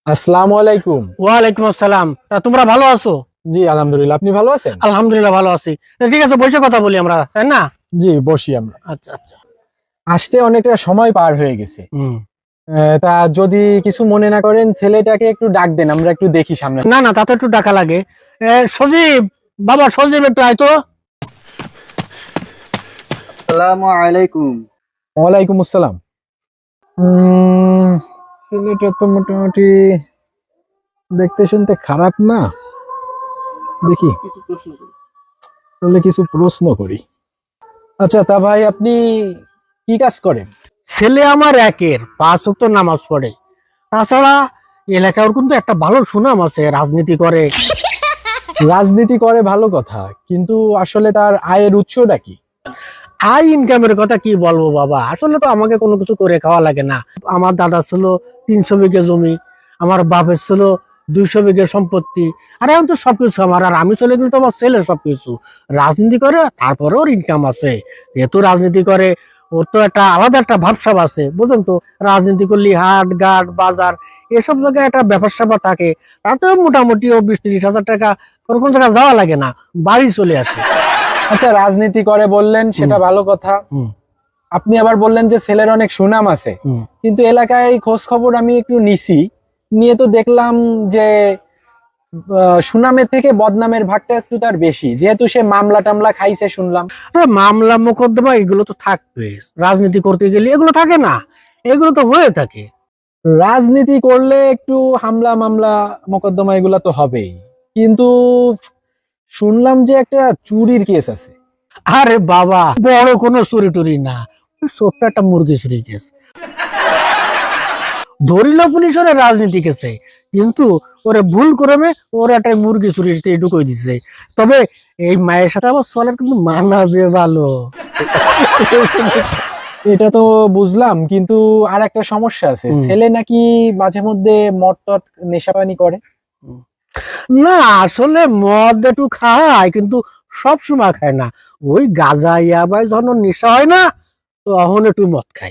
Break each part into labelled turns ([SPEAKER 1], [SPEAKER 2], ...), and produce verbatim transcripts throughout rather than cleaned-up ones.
[SPEAKER 1] আসসালামু আলাইকুম।
[SPEAKER 2] ওয়ালাইকুম আসসালাম। তা তোমরা ভালো আছো?
[SPEAKER 1] জি আলহামদুলিল্লাহ, আপনি ভালো আছেন?
[SPEAKER 2] আলহামদুলিল্লাহ ভালো আছি। তা ঠিক আছে, বসে কথা বলি আমরা, তাই না?
[SPEAKER 1] জি বসি আমরা।
[SPEAKER 2] আচ্ছা আচ্ছা।
[SPEAKER 1] আসতে অনেকটা সময় পার হয়ে গেছে।
[SPEAKER 2] হুম।
[SPEAKER 1] আহ, তা যদি কিছু মনে না করেন, ছেলেটাকে একটু ডাক দেন, আমরা একটু দেখি সামনে।
[SPEAKER 2] না না, তাতে একটু টাকা লাগে। এ, সজীব, বাবা সজীব একটু আয় তো।
[SPEAKER 3] আসসালামু আলাইকুম।
[SPEAKER 1] ওয়ালাইকুম আসসালাম। উম, ছেলেটা তো মোটামুটি দেখতে শুনতে খারাপ না। দেখি
[SPEAKER 3] কিছু প্রশ্ন করি।
[SPEAKER 1] তাহলে কিছু প্রশ্ন করি। আচ্ছা তা ভাই, আপনি কি কাজ করেন?
[SPEAKER 2] ছেলে আমার একের পাঁচ ওয়াক্ত নামাজ পড়ে। তাছাড়া এলাকার কিন্তু একটা ভালো সুনাম আছে, রাজনীতি করে।
[SPEAKER 1] রাজনীতি করে ভালো কথা, কিন্তু আসলে তার আয়ের উৎসটা কি?
[SPEAKER 2] আই ইনকামের কথা কি বলবো বাবা, আসলে তো আমাকে কোনো কিছু করে খাওয়া লাগে না। আমার দাদা ছিল তিনশো বিঘে জমি, আমার বাপের ছিল দুইশো বিঘে সম্পত্তি, আর এখন তো সবকিছু আমার, আর আমি চলে গেলে তো আমার ছেলে সবকিছু। রাজনীতি করে তারপরে ওর ইনকাম আছে, যেহেতু রাজনীতি করে ওর তো একটা আলাদা একটা ভাবসাব আছে, বুঝলেন তো। রাজনীতি করলে হাট ঘাট বাজার এসব জায়গায় একটা ব্যাপার স্যাপার থাকে, তাতেও মোটামুটি ও বিশ ত্রিশ হাজার টাকা কোনো কোনো জায়গায় যাওয়া লাগে না, বাড়ি চলে আসে।
[SPEAKER 1] আচ্ছা, রাজনীতি করে বললেন, সেটা ভালো কথা।
[SPEAKER 2] হুম
[SPEAKER 1] আপনি আবার বললেন যে ছেলের অনেক সুনাম আছে,
[SPEAKER 2] হুম।
[SPEAKER 1] কিন্তু এলাকায় খোঁজ খবর আমি একটু নিছি, নিয়ে তো দেখলাম যে আহ, সুনামের থেকে বদনামের ভাগটা একটু তার বেশি, যেহেতু সে মামলা টামলা খাইছে শুনলাম।
[SPEAKER 2] আরে মামলা মোকদ্দমা এগুলো তো থাকবে, রাজনীতি করতে গেলে এগুলো থাকে না? এগুলো তো হয়ে থাকে।
[SPEAKER 1] রাজনীতি করলে একটু হামলা মামলা মোকদ্দমা এগুলা তো হবেই, কিন্তু শুনলাম যে একটা চুরির কেস আছে।
[SPEAKER 2] আরে বাবা, বড় কোনো চুরি টুরি না, ওই ছোট্ট একটা মুরগি চুরি কেস। ধরিল পুলিশ ওরে রাজনীতি কেসে, কিন্তু ওরে ভুল করে ওর একটা মুরগি চুরিতে ঢুকিয়ে দিছে। তবে এই মায়ের সাথে আমার চলার কিন্তু মানাবে ভালো।
[SPEAKER 1] এটা তো বুঝলাম, কিন্তু আর একটা সমস্যা আছে,
[SPEAKER 2] হুম।
[SPEAKER 1] ছেলে নাকি মাঝে মধ্যে মদ টদ নেশাপানি করে।
[SPEAKER 2] না, আসলে মদ একটু খায়, কিন্তু সব সময় খায় না। ওই গাঁজা ইয়াবাই যখন ওর নেশা হয় না, তখন একটু মদ খায়।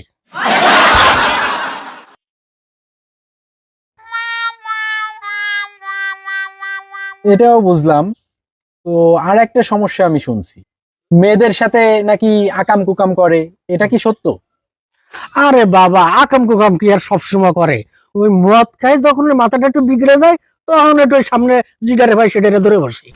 [SPEAKER 1] এটাও বুঝলাম। তো আর একটা সমস্যা আমি শুনছি, মেয়েদের সাথে নাকি আকাম কুকাম করে, এটা কি সত্য?
[SPEAKER 2] আরে বাবা, আকাম কুকাম কি আর সবসময় করে? ওই মদ খায় যখন ওর মাথাটা একটু বিগড়ে যায়, তখন একটু ওই সামনে জিগারে ভাই সেটা ধরে বসে।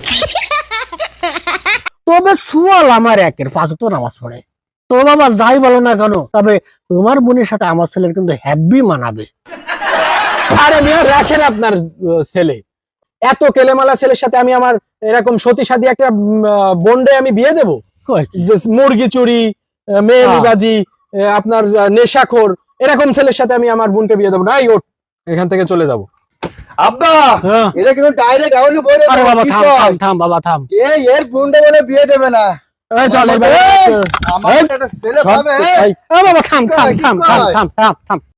[SPEAKER 2] তবে সুয়াল আমার একের পাঁচ তো নামাজ পড়ে। তো বাবা যাই বলো না কেন, তবে তোমার বোনের সাথে আমার ছেলের কিন্তু হ্যাপি মানাবে।
[SPEAKER 1] আরে মিয়া রাখেন আপনার আহ, ছেলে, এত কেলেমালা ছেলের সাথে আমি আমার এরকম সতী সাদী একটা বন্ডে আমি বিয়ে দেবো?
[SPEAKER 2] কয় কি?
[SPEAKER 1] যে মুরগি চুরি, আহ, মেয়েলিবাজি, আহ, আপনার আহ, নেশাখোর, এরকম ছেলের সাথে আমি আমার বোনকে বিয়ে দেবো না। এই ওঠ, এখান থেকে চলে যাবো।
[SPEAKER 3] আব্বা,
[SPEAKER 2] হ্যাঁ।
[SPEAKER 3] এটা কিন্তু ডাইরেক্ট আউলি বলে
[SPEAKER 2] আরে বাবা
[SPEAKER 3] কি
[SPEAKER 2] থাম
[SPEAKER 3] কয়?
[SPEAKER 2] থাম থাম বাবা থাম।
[SPEAKER 3] এ এর গুন্ডে বলে বিয়ে দেবে না।
[SPEAKER 1] এই চল,
[SPEAKER 3] আমার
[SPEAKER 1] এবার-
[SPEAKER 3] আমার একটা ছেলে
[SPEAKER 1] সব-
[SPEAKER 3] পাবে।
[SPEAKER 1] এই,
[SPEAKER 2] এ বাবা থাম থাম
[SPEAKER 3] কি
[SPEAKER 2] থাম থাম
[SPEAKER 3] কয়?
[SPEAKER 2] থাম থাম থাম